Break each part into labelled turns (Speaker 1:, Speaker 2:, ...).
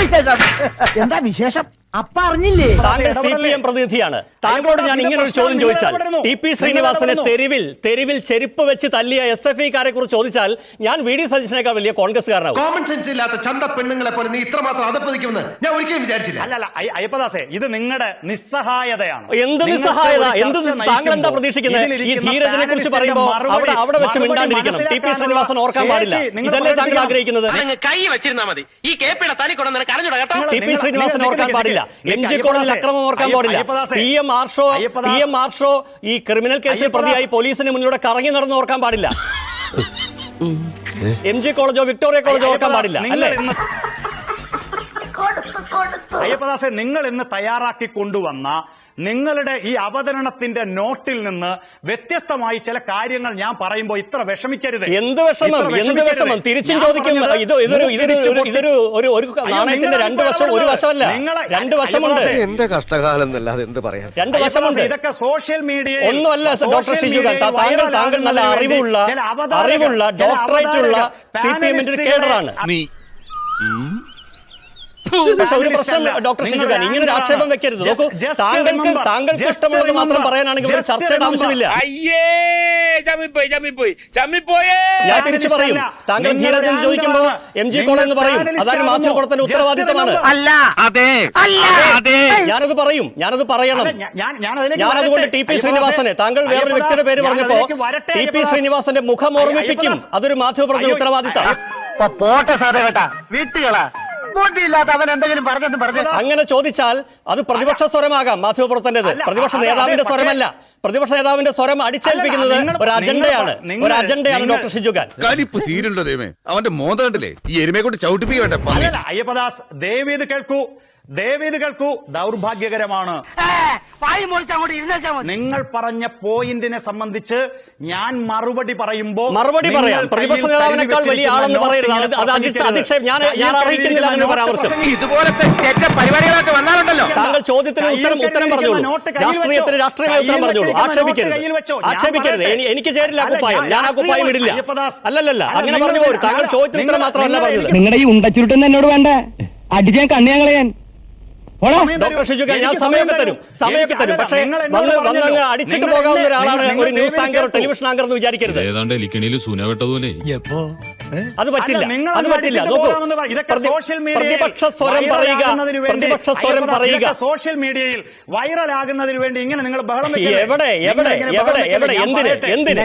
Speaker 1: എന്താ വിശേഷം? അപ്പ അറിഞ്ഞില്ലേ?
Speaker 2: താങ്കൾ CPM പ്രതിനിധിയാണ്. താങ്കളോട് ഞാൻ ഇങ്ങനെ ഒരു ചോദ്യം ചോദിച്ചാൽ, TP ശ്രീനിവാസനെ തെരുവിൽ ചെരുപ്പ് വെച്ച് തല്ലിയ SFIക്കാരെ കുറിച്ച് ചോദിച്ചാൽ ഞാൻ VD സതീശനേക്കാൾ വലിയ കോൺഗ്രസ്സുകാരനാവും.
Speaker 3: കോമൺ സെൻസ് ഇല്ലാത്ത ചന്ത പെണ്ണുങ്ങളെ പോലെ നീ ഇത്രമാത്രം അതപ്പതിക്കുമെന്ന് ഞാൻ ഒരിക്കലും വിചാരിച്ചില്ല.
Speaker 4: അല്ല അയ്യപ്പദാസേ, ഇത് നിങ്ങളുടെ നിസ്സഹായതയാണ്.
Speaker 2: എന്ത് നിസ്സഹായത? താങ്കൾ എന്താ പ്രതീക്ഷിക്കുന്നത്? ഈ ധീരജനെ കുറിച്ച് പറയുമ്പോൾ അവിടെ വെച്ച് മിണ്ടാണ്ടിരിക്കണം. TP ശ്രീനിവാസൻ ഓർക്കാൻ പാടില്ല. ഇതല്ലേ താങ്കൾ ആഗ്രഹിക്കുന്നത്?
Speaker 5: കൈ വെച്ചിരുന്നാ മതി. ഈ കേപ്പിയുടെ തനി കൊണ്ടു കരഞ്ഞുട കേട്ടോ.
Speaker 2: TP ശ്രീനിവാസൻ ഓർക്കാൻ പാടില്ല. MG കോളേജിൽ അക്രമം ഓർക്കാൻ പാടില്ല. PM ആർഷോ ഈ ക്രിമിനൽ കേസിൽ പ്രതിയായി പോലീസിന് മുന്നിലൂടെ കറങ്ങി നടന്ന് ഓർക്കാൻ പാടില്ല. MG കോളേജോ വിക്ടോറിയ കോളേജോ ഓർക്കാൻ പാടില്ല. അല്ലേ
Speaker 4: അയ്യപ്പദാസെ, നിങ്ങൾ ഇന്ന് തയ്യാറാക്കി കൊണ്ടുവന്ന നിങ്ങളുടെ ഈ അവതരണത്തിന്റെ നോട്ടിൽ നിന്ന് വ്യത്യസ്തമായി ചില കാര്യങ്ങൾ ഞാൻ പറയുമ്പോൾ ഇത്ര വിഷമിക്കരുത്.
Speaker 2: എന്ത് വിഷമം? തിരിച്ചും ചോദിക്കും. ഇതൊരു നാണയത്തിന്റെ രണ്ട് വശം, ഒരു വശമല്ല, രണ്ട് വശമുണ്ട്.
Speaker 6: എന്റെ കഷ്ടകാലം എന്നല്ലാതെ എന്ത് പറയാം.
Speaker 2: രണ്ട് വശമുണ്ട്.
Speaker 4: ഇതൊക്കെ സോഷ്യൽ മീഡിയ
Speaker 2: ഒന്നുമല്ല ഡോക്ടർ ഷിജുഖാൻ. താങ്കൾ നല്ല അറിവുള്ള ഡോക്ടറേറ്റ് ഉള്ള CPM-ന്റെ കേഡറാണ്. പക്ഷെ ഒരു പ്രശ്നം ഡോക്ടർ ഷിജുഖാൻ, ഇങ്ങനെ ഒരു ആക്ഷേപം വെക്കരുത്. നോക്കൂ, താങ്കൾക്ക് ഇഷ്ടമുള്ളത് മാത്രം പറയാനാണെങ്കിൽ ഒരു ചർച്ചയുടെ ആവശ്യമില്ല. ഞാൻ തിരിച്ചു പറയും. താങ്കൾ ധീരജൻ ചോദിക്കുമ്പോൾ MG കോളേജ് എന്ന് പറയും. അതാണ് മാധ്യമപ്രവർത്തന ഉത്തരവാദിത്തമാണ്. ഞാനത് പറയണം. ഞാനതുകൊണ്ട് TP ശ്രീനിവാസനെ, താങ്കൾ വേറൊരു വ്യക്തിയുടെ പേര് പറഞ്ഞപ്പോ TP ശ്രീനിവാസന്റെ മുഖം ഓർമ്മിപ്പിക്കും. അതൊരു മാധ്യമപ്രവർത്തന ഉത്തരവാദിത്തം.
Speaker 1: പോട്ടെ സാറേ കേട്ടാ, വീട്ടുകളാ അവൻ എന്തെങ്കിലും പറഞ്ഞു.
Speaker 2: അങ്ങനെ ചോദിച്ചാൽ അത് പ്രതിപക്ഷ സ്വരമാകാം. മാധ്യമപ്രവർത്തനത് പ്രതിപക്ഷ നേതാവിന്റെ സ്വരമല്ല. പ്രതിപക്ഷ നേതാവിന്റെ സ്വരം അടിച്ചേൽപ്പിക്കുന്നത് ഒരു അജണ്ടയാണ് ഡോക്ടർ ഷിജുഖാൻ.
Speaker 6: കലിപ്പ് തീരുണ്ടോ ദൈവമേ, അവന്റെ മോന്ത കണ്ടില്ലേ? ഈ എരുമയെ കൊണ്ട് ചവിട്ടിപ്പിക്കട്ടെ.
Speaker 4: അയ്യപ്പദാസ്, ദേവീത് കേൾക്കൂ. ദൗർഭാഗ്യകരമാണ്. നിങ്ങൾ പറഞ്ഞ പോയിന്റിനെ സംബന്ധിച്ച് ഞാൻ മറുപടി പറയുമ്പോൾ
Speaker 2: പറയാം. പ്രതിപക്ഷ നേതാവിനേക്കാൾ വലിയ ആളെന്ന് പറയരുത്. ഞാൻ അറിയിക്കുന്നില്ല അങ്ങനെ പരാമർശം.
Speaker 5: ഇതുപോലത്തെ പരിപാടികളൊക്കെ വന്നാലുണ്ടല്ലോ.
Speaker 2: താങ്കൾ ചോദ്യത്തിന് ഉത്തരം പറഞ്ഞോളൂ. രാഷ്ട്രീയമായ ഉത്തരം പറഞ്ഞോളൂ. ആക്ഷേപിക്കരുത്. എനിക്ക് ചേരില്ല കുപ്പായം. ഞാൻ ആ കുപ്പായം ഇടില്ല. അല്ലല്ല, അങ്ങനെ പറഞ്ഞു പോരും. താങ്കൾ ചോദ്യത്തിന് ഉത്തരം മാത്രമല്ല പറഞ്ഞത്.
Speaker 7: നിങ്ങളുടെ ഈ ഉണ്ടച്ചുരുട്ടെന്ന് എന്നോട് വേണ്ട, അടിച്ചാൻ കണ്ണിയാങ്ങളയാൻ.
Speaker 2: ഡോക്ടർ ഷിജുഖാൻ, ഞാൻ സമയമൊക്കെ തരും. പക്ഷേ വന്നങ്ങ് അടിച്ചിട്ട് പോകാവുന്ന ഒരാളാണ് ഒരു ന്യൂസ് ആങ്കർ, ടെലിവിഷൻ ആങ്കർ എന്ന് വിചാരിക്കരുത്. അത് പറ്റില്ല. നോക്കൂ, പ്രതിപക്ഷ സ്വരം പറയുക.
Speaker 4: സോഷ്യൽ മീഡിയയിൽ വൈറൽ ആകുന്നതിന് വേണ്ടി ഇങ്ങനെ നിങ്ങൾ ബഹളം
Speaker 2: എവിടെ എന്തിന്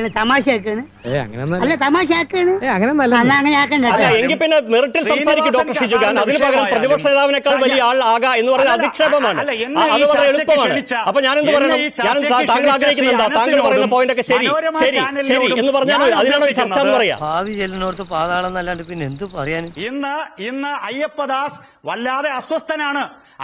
Speaker 2: എങ്കിൽ പിന്നെ മെറിറ്റിൽ സംസാരിക്കും ഡോക്ടർ ഷിജുഖാൻ. അതിന് പകരം പ്രതിപക്ഷ നേതാവിനേക്കാൾ വലിയ ആൾ ആകാ എന്ന് പറയുന്നത് അധിക്ഷേപമാണ്. അത് വളരെ എളുപ്പമാണ്. അപ്പൊ ഞാനെന്ത് പറയണം? താങ്കൾ ആഗ്രഹിക്കുന്നുണ്ടോ? താങ്കൾ പറയുന്ന പോയിന്റ് ഒക്കെ ശരി എന്ന് പറഞ്ഞാൽ അതിനാണോ ചർച്ച എന്ന് പറയാം?
Speaker 7: പിന്നെ എന്ത് പറയാൻ?
Speaker 4: ഇന്ന് അയ്യപ്പദാസ് വല്ലാതെ അസ്വസ്ഥനാണ്.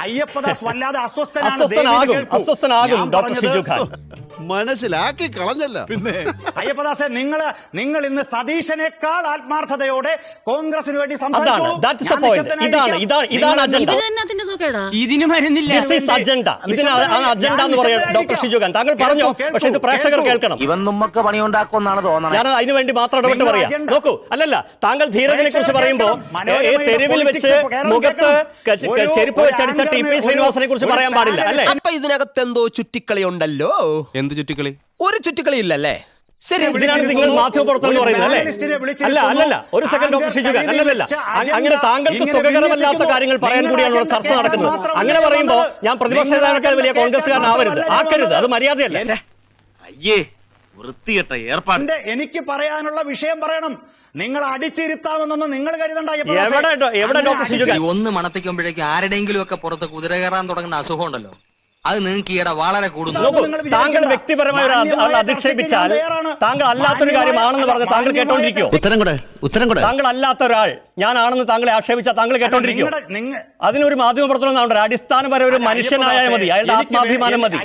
Speaker 2: അസ്വസ്ഥനാകും ഡോക്ടർ ഷിജുഖാൻ.
Speaker 6: മനസ്സിലാക്കി കളഞ്ഞല്ല. പിന്നെ
Speaker 4: അയ്യപ്പദാസെ, നിങ്ങൾ ഇന്ന് സതീശനേക്കാൾ ആത്മാർത്ഥതയോടെ കോൺഗ്രസിന് വേണ്ടി സംസാരിച്ചു.
Speaker 2: ഇതാണ് അജണ്ട.
Speaker 7: ഇതിന് മരുന്നില്ല.
Speaker 2: അജണ്ട എന്ന് പറയാം ഡോക്ടർ ഷിജുഖാൻ. താങ്കൾ പറഞ്ഞു, പക്ഷെ ഇത് പ്രേക്ഷകർ കേൾക്കണം.
Speaker 1: ഇവൻ നമ്മക്ക് പണിയുണ്ടാക്കുമെന്നാണ് തോന്നുന്നത്.
Speaker 2: ഞാൻ അതിനുവേണ്ടി മാത്രം ഇടപെട്ട് പറയാം. നോക്കൂ, താങ്കൾ ധീരജനെ കുറിച്ച് പറയുമ്പോ തെരുവിൽ വെച്ച് മുഖത്ത് ചെരുപ്പ് വെച്ചടിച്ച TP ശ്രീനിവാസനെ കുറിച്ച് പറയാൻ പാടില്ല, അല്ലേ?
Speaker 8: അപ്പൊ ഇതിനകത്ത് എന്തോ ചുറ്റിക്കളി ഉണ്ടല്ലോ.
Speaker 6: എന്ത് ചുറ്റിക്കളി?
Speaker 8: ഒരു ചുറ്റിക്കളി ഇല്ലല്ലേ?
Speaker 2: ശരി, ഇതിനാണ് നിങ്ങൾ മാധ്യമപ്രവർത്തനം എന്ന് പറയുന്നത്, അല്ലേ? അല്ലല്ല, ഒരു സെക്കൻഡ് ഡോക്ടർ ഷിജുഖാൻ, അല്ലല്ല. അങ്ങനെ താങ്കൾക്ക് സുഖകരമല്ലാത്ത കാര്യങ്ങൾ പറയാൻ കൂടിയാണ് ഇവിടെ ചർച്ച നടക്കുന്നത്. അങ്ങനെ പറയുമ്പോ ഞാൻ പ്രതിപക്ഷ നേതാവിനേക്കാൾ വലിയ ആക്കരുത്. അത് മര്യാദയല്ല.
Speaker 5: വൃത്തികെട്ട ഏർപ്പാട്.
Speaker 4: എനിക്ക് പറയാനുള്ള വിഷയം പറയണം. നിങ്ങൾ അടിച്ചിരുത്താമെന്നൊന്നും നിങ്ങൾ കരുതണ്ട.
Speaker 2: എവിടെ ഡോക്ടർ ഷിജുഖാൻ?
Speaker 5: ഒന്ന് മണപ്പിക്കുമ്പോഴേക്കും ആരുടെയെങ്കിലും ഒക്കെ പുറത്ത് കുതിര കയറാൻ തുടങ്ങുന്ന അസുഖം ഉണ്ടല്ലോ, അത് നിങ്ങൾക്ക് ഈയിടെ വളരെ കൂടുന്നു.
Speaker 2: താങ്കൾ വ്യക്തിപരമായ ഒരു അധിക്ഷേപിച്ചാൽ താങ്കൾ അല്ലാത്തൊരു കാര്യമാണെന്ന് പറഞ്ഞ് താങ്കൾ കേട്ടോണ്ടിരിക്കോ?
Speaker 8: ഉത്തരം കൂടെ.
Speaker 2: താങ്കൾ അല്ലാത്ത ഒരാൾ ഞാനാണെന്ന് താങ്കളെ ആക്ഷേപിച്ചാൽ താങ്കൾ കേട്ടോണ്ടിരിക്കോ? അതിനൊരു മാധ്യമ പ്രവർത്തനം അടിസ്ഥാനപരം ഒരു മനുഷ്യനായാൽ മതി, അയാളുടെ ആത്മാഭിമാനം മതി.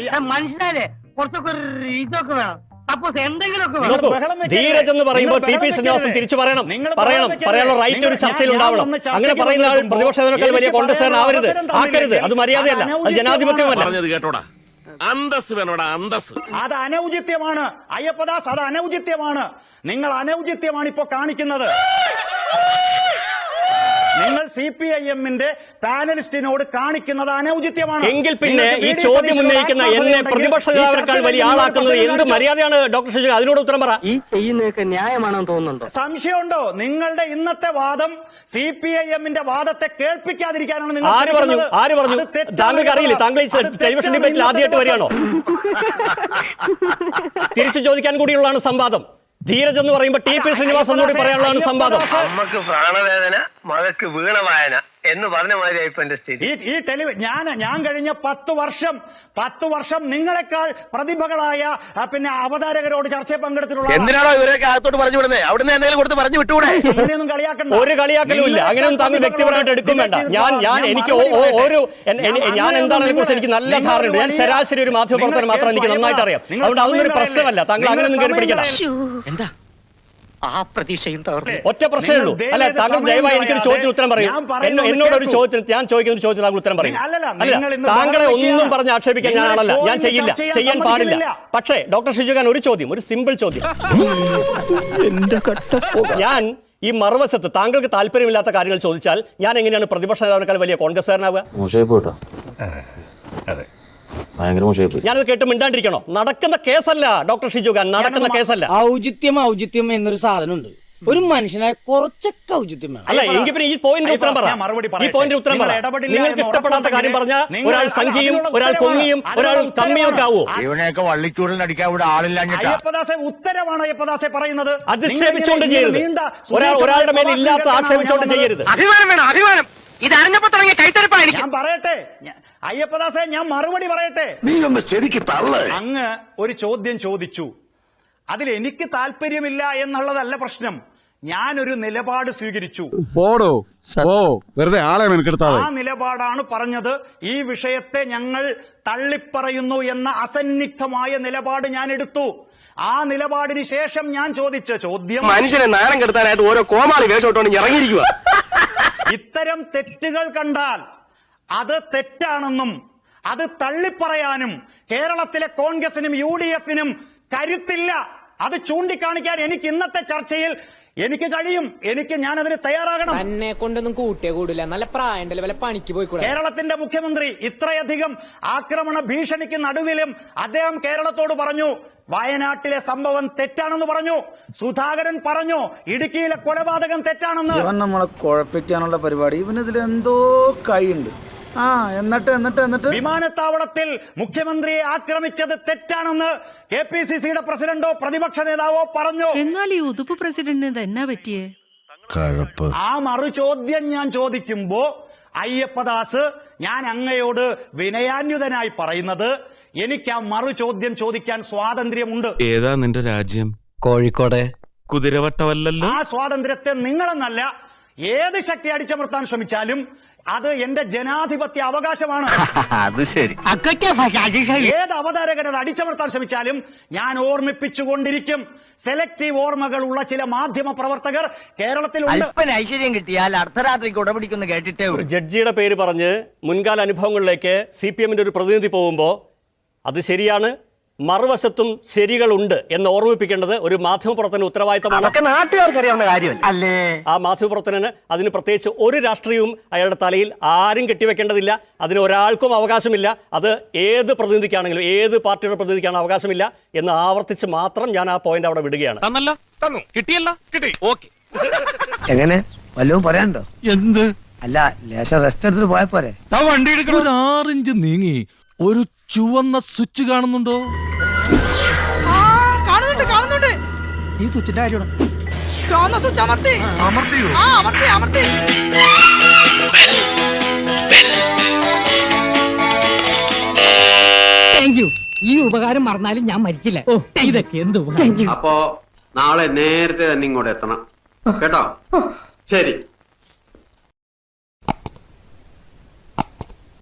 Speaker 2: നോക്കൂ, ധീരജ് എന്ന് പറയുമ്പോൾ TP ശ്രീനിവാസൻ തിരിച്ചു പറയാനുള്ള റൈറ്റ് ഒരു ചർച്ചയിൽ ഉണ്ടാവണം. അങ്ങനെ പറയുന്ന ആൾ പ്രതിപക്ഷ നേതാക്കൾ വലിയ കോൺഗ്രസ്സുകാരനാവരുത്, ആക്കരുത്. അത് മര്യാദയല്ല, അത് ജനാധിപത്യമല്ല.
Speaker 5: അന്തസ് വേണോടാ, അന്തസ്.
Speaker 4: അത് അനൗചിത്യമാണ് അയ്യപ്പദാസ്, അത് അനൗചിത്യമാണ്. നിങ്ങൾ അനൗചിത്യമാണ് ഇപ്പോ കാണിക്കുന്നത്. നിങ്ങൾ CPIM-ന്റെ പാനലിസ്റ്റിനോട് കാണിക്കുന്നത് അനൗചിത്യമാണ്.
Speaker 2: എങ്കിൽ പിന്നെ ഈ ചോദ്യം ഉന്നയിക്കുന്ന എന്നെ പ്രതിപക്ഷ നേതാവിനേക്കാൾ വലിയ ആളാക്കുന്നത് എന്ത് മര്യാദയാണ് ഡോക്ടർ ഷിജു? അതിനോട് ഉത്തരം പറ.
Speaker 1: ഈ ചെയ്യുന്നതൊക്കെ ന്യായമാണെന്ന് തോന്നുന്നുണ്ടോ?
Speaker 4: സംശയമുണ്ടോ? നിങ്ങളുടെ ഇന്നത്തെ വാദം CPIM-ന്റെ വാദത്തെ കേൾപ്പിക്കാതിരിക്കാനാണ് നിങ്ങൾ
Speaker 2: ആര് പറഞ്ഞു? താങ്കൾക്ക് അറിയില്ലേ? താങ്കൾ ഈ ടെലിവിഷൻ ഡിബേറ്റിൽ ആദ്യമായിട്ട് വരികയാണോ? തിരിച്ചു ചോദിക്കാൻ കൂടിയുള്ളതാണ് സംവാദം. ധീരജ് എന്ന് പറയുമ്പോൾ TP ശ്രീനിവാസൻ കൂടി പറയാനുള്ളതാണ് സംവാദം.
Speaker 1: അമ്മക്ക് പ്രാണവേദന, മകക്ക് വീണവായന എന്ന് പറഞ്ഞ മാതിരിയായി ഇപ്പൊ എന്റെ സ്ഥിതി.
Speaker 4: ഞാൻ കഴിഞ്ഞ 10 വർഷം നിങ്ങളെക്കാൾ പ്രതിഭകളായ പിന്നെ അവതാരകരോട് ചർച്ചയിൽ പങ്കെടുത്തിട്ടുള്ള
Speaker 1: എന്തിനാണോ ഇവരൊക്കെ അകത്തോട്ട് പറഞ്ഞു വിടുന്നത്? അവിടുന്ന് എന്തെങ്കിലും കൊടുത്ത് പറഞ്ഞു വിട്ടുകൂടെ?
Speaker 4: അങ്ങനെയൊന്നും കളിയാക്കണ്ട.
Speaker 2: ഒരു കളിയാക്കലും ഇല്ല. അങ്ങനെയൊന്നും താങ്കൾ വ്യക്തിപരമായിട്ട് എടുക്കും വേണ്ട. ഞാൻ എന്താണെന്നെ കുറിച്ച് എനിക്ക് നല്ല ധാരണയുണ്ട്. ഞാൻ ശരാശരി ഒരു മാധ്യമപ്രവർത്തനം മാത്രം എനിക്ക് നന്നായിട്ട് അറിയാം. അതുകൊണ്ട് അതൊന്നും ഒരു പ്രശ്നമല്ല. താങ്കൾ അങ്ങനെയൊന്നും കയറി പിടിക്കണം.
Speaker 1: എന്താ ആ പ്രതീക്ഷയും തകർന്നു?
Speaker 2: ഒറ്റ പ്രശ്നമേ ഉള്ളൂ. അല്ല, താങ്കൾ ദയവായി എനിക്കൊരു ചോദ്യത്തിന് ഉത്തരം പറയും. എന്നോടൊരു ചോദ്യത്തിന്, ഞാൻ ചോദിക്കുന്ന ഒരു ചോദ്യത്തിന് താങ്കൾ ഉത്തരം പറയും. അല്ല, താങ്കളെ ഒന്നും പറഞ്ഞ് ആക്ഷേപിക്കാൻ ഞാനാണല്ല. ഞാൻ ചെയ്യില്ല, ചെയ്യാൻ പാടില്ല. പക്ഷേ ഡോക്ടർ ഷിജു ഖാൻ, ഒരു ചോദ്യം, ഒരു സിമ്പിൾ ചോദ്യം. ഞാൻ ഈ മറുവശത്ത് താങ്കൾക്ക് താല്പര്യമില്ലാത്ത കാര്യങ്ങൾ ചോദിച്ചാൽ ഞാൻ എങ്ങനെയാണ് പ്രതിപക്ഷ നേതാവിനേക്കാൾ വലിയ കോൺഗ്രസ്സുകാരനാവുക? ഞാനത് കേട്ട് മിണ്ടാണ്ടിരിക്കണോ? നടക്കുന്ന കേസല്ല ഡോക്ടർ ഷിജു ഖാൻ, നടക്കുന്ന കേസല്ല.
Speaker 7: ഔചിത്യം എന്നൊരു സാധനമുണ്ട്. ഒരു മനുഷ്യനായ കുറച്ചൊക്കെ ഔചിത്യം വേണം.
Speaker 2: അല്ല, എങ്കിൽ പിന്നെ ഈ പോയിന്റ് ഉത്തരം പറ. നിങ്ങൾക്ക് ഇഷ്ടപ്പെടാത്ത കാര്യം പറഞ്ഞാൽ ഒരാൾ സംഖ്യയും ഒരാൾ കൊങ്ങിയും ഒരാൾ കമ്മിയും ഒക്കെ ആവോ?
Speaker 1: ഇവനെയൊക്കെ വള്ളിച്ചൂടിൽ അടിക്കാൻ ഇവിടെ ആളില്ല.
Speaker 4: ഉത്തരവാണ് അയ്യപ്പദാസെ പറയുന്നത്.
Speaker 2: അധിക്ഷേപിച്ചുകൊണ്ട് ചെയ്യരുത്. ഒരാളുടെ മേലെ ഇല്ലാത്ത ആക്ഷേപിച്ചുകൊണ്ട് ചെയ്യരുത്.
Speaker 1: അഭിമാനം വേണം, അഭിമാനം. ഇത് അറിഞ്ഞപ്പോ തുടങ്ങിയ കൈത്തരപ്പായിരിക്കും.
Speaker 4: ഞാൻ പറയട്ടെ അയ്യപ്പദാസെ, ഞാൻ മറുപടി പറയട്ടെ.
Speaker 3: നീ ഒന്ന് ശരിക്ക് തള്ളേ.
Speaker 4: അങ്ങ് ഒരു ചോദ്യം ചോദിച്ചു, അതിൽ എനിക്ക് താല്പര്യമില്ല എന്നുള്ളതല്ല പ്രശ്നം. ഞാനൊരു നിലപാട് സ്വീകരിച്ചു.
Speaker 6: വെറുതെ ആളെ മെനക്കെടുത്താതെ.
Speaker 4: ആ നിലപാടാണ് പറഞ്ഞത്. ഈ വിഷയത്തെ ഞങ്ങൾ തള്ളിപ്പറയുന്നു എന്ന അസന്നിഗ്ധമായ നിലപാട് ഞാൻ എടുത്തു. ആ നിലപാടിന് ശേഷം ഞാൻ ചോദിച്ച ചോദ്യം,
Speaker 1: മനുഷ്യനെ നാണം കെടുത്താനായിട്ട് ഓരോ കോമാളി വേഷോട്ടോണ്ട് ഇറങ്ങിയിരിക്കുക.
Speaker 4: ഇത്തരം തെറ്റുകൾ കണ്ടാൽ അത് തെറ്റാണെന്നും അത് തള്ളിപ്പറയാനും കേരളത്തിലെ കോൺഗ്രസിനും UDF-നും കരുത്തില്ല. അത് ചൂണ്ടിക്കാണിക്കാൻ എനിക്ക് ഇന്നത്തെ ചർച്ചയിൽ എനിക്ക് കഴിയും. ഞാനതിന് തയ്യാറാകണം.
Speaker 7: എന്നെ കൊണ്ടൊന്നും കൂട്ടിയേ കൂടില്ല. നല്ല പ്രായണ്ടല്ലേ, വല്ല പണിക്ക് പോയിക്കൂടെ?
Speaker 4: കേരളത്തിന്റെ മുഖ്യമന്ത്രി ഇത്രയധികം ആക്രമണ ഭീഷണിക്ക് നടുവിലും അദ്ദേഹം കേരളത്തോട് പറഞ്ഞു, വയനാട്ടിലെ സംഭവം തെറ്റാണെന്ന് പറഞ്ഞു. സുധാകരൻ പറഞ്ഞു, ഇടുക്കിയിലെ കൊലപാതകം തെറ്റാണെന്ന്.
Speaker 9: ഇവൻ നമ്മളെ കുഴപ്പിക്കാനുള്ള പരിപാടി, ഇവനിതിൽ എന്തോ കൈയുണ്ട്. എന്നിട്ട്
Speaker 4: വിമാനത്താവളത്തിൽ മുഖ്യമന്ത്രിയെ ആക്രമിച്ചത് തെറ്റാണെന്ന് KPCC-യുടെ പ്രസിഡന്റോ പ്രതിപക്ഷ നേതാവോ പറഞ്ഞു.
Speaker 10: എന്നാൽ ഈ ഉതുപ്പ് പ്രസിഡന്റിന് എന്നാ പറ്റിയേ?
Speaker 4: ആ മറുചോദ്യം ഞാൻ ചോദിക്കുമ്പോ അയ്യപ്പദാസ്, ഞാൻ അങ്ങയോട് വിനയാന്യുതനായി പറയുന്നത്, എനിക്ക് ആ മറുചോദ്യം ചോദിക്കാൻ സ്വാതന്ത്ര്യമുണ്ട്.
Speaker 11: ഏതാ നിന്റെ രാജ്യം?
Speaker 8: കോഴിക്കോട്
Speaker 11: കുതിരവട്ടമല്ലല്ലോ.
Speaker 4: ആ സ്വാതന്ത്ര്യത്തെ നിങ്ങളെന്നല്ല ഏത് ശക്തി അടിച്ചമർത്താൻ ശ്രമിച്ചാലും അത് എന്റെ ജനാധിപത്യ അവകാശമാണ്.
Speaker 8: അത് ശരി.
Speaker 4: ഏത് അവതാരകൻ അത് അടിച്ചമർത്താൻ ശ്രമിച്ചാലും ഞാൻ ഓർമ്മിപ്പിച്ചുകൊണ്ടിരിക്കും. സെലക്ടീവ് ഓർമ്മകൾ ഉള്ള ചില മാധ്യമ പ്രവർത്തകർ കേരളത്തിലുണ്ട്.
Speaker 1: ഐശ്വര്യം കിട്ടിയാൽ അർദ്ധരാത്രിക്ക് ഉടപിടിക്കുന്നു കേട്ടിട്ടേ.
Speaker 2: ഒരു ജഡ്ജിയുടെ പേര് പറഞ്ഞ് മുൻകാല അനുഭവങ്ങളിലേക്ക് CPM-ന്റെ ഒരു പ്രതിനിധി പോകുമ്പോൾ അത് ശരിയാണ്, മറുവശത്തും ശരികളുണ്ട് എന്ന് ഓർമ്മിപ്പിക്കേണ്ടത് ഒരു മാധ്യമപ്രവർത്തന ഉത്തരവാദിത്തമാണ്.
Speaker 1: നാട്ടുകാർക്കറിയാവുന്ന കാര്യമല്ല അല്ലേ?
Speaker 2: ആ മാധ്യമപ്രവർത്തനന് അതിന് പ്രത്യേകിച്ച് ഒരു രാഷ്ട്രീയവും അയാളുടെ തലയിൽ ആരും കെട്ടിവെക്കേണ്ടതില്ല. അതിന് ഒരാൾക്കും അവകാശമില്ല. അത് ഏത് പ്രതിനിധിക്കാണെങ്കിലും ഏത് പാർട്ടിയുടെ പ്രതിനിധിക്കാണ് അവകാശമില്ല എന്ന് ആവർത്തിച്ച് മാത്രം ഞാൻ ആ പോയിന്റ് അവിടെ വിടുകയാണ്.
Speaker 1: എങ്ങനെ വല്ലതും പറയാനുണ്ടോ? എന്ത്? അല്ല, ലേശം റെസ്റ്റ് എടുത്തിട്ട് പോയാ പോരെ?
Speaker 11: ഒരു 6 ഇഞ്ച് നീങ്ങി ഒരു ചുവന്ന സ്വിച്ച് കാണുന്നുണ്ടോ?
Speaker 7: കാണുന്നുണ്ട്. ഈ സ്വിച്ചിന്റെ കാര്യമാണ്. ചുവന്ന സ്വിച്ച് അമർത്തിയോ? അമർത്തി.
Speaker 10: Thank you. ഈ ഉപകാരം മറന്നാലും ഞാൻ മരിക്കില്ല. ഇതൊക്കെ എന്ത് ഉപകാരം.
Speaker 5: അപ്പോ നാളെ നേരത്തെ തന്നെ ഇങ്ങോട്ട് എത്തണം കേട്ടോ? ശരി.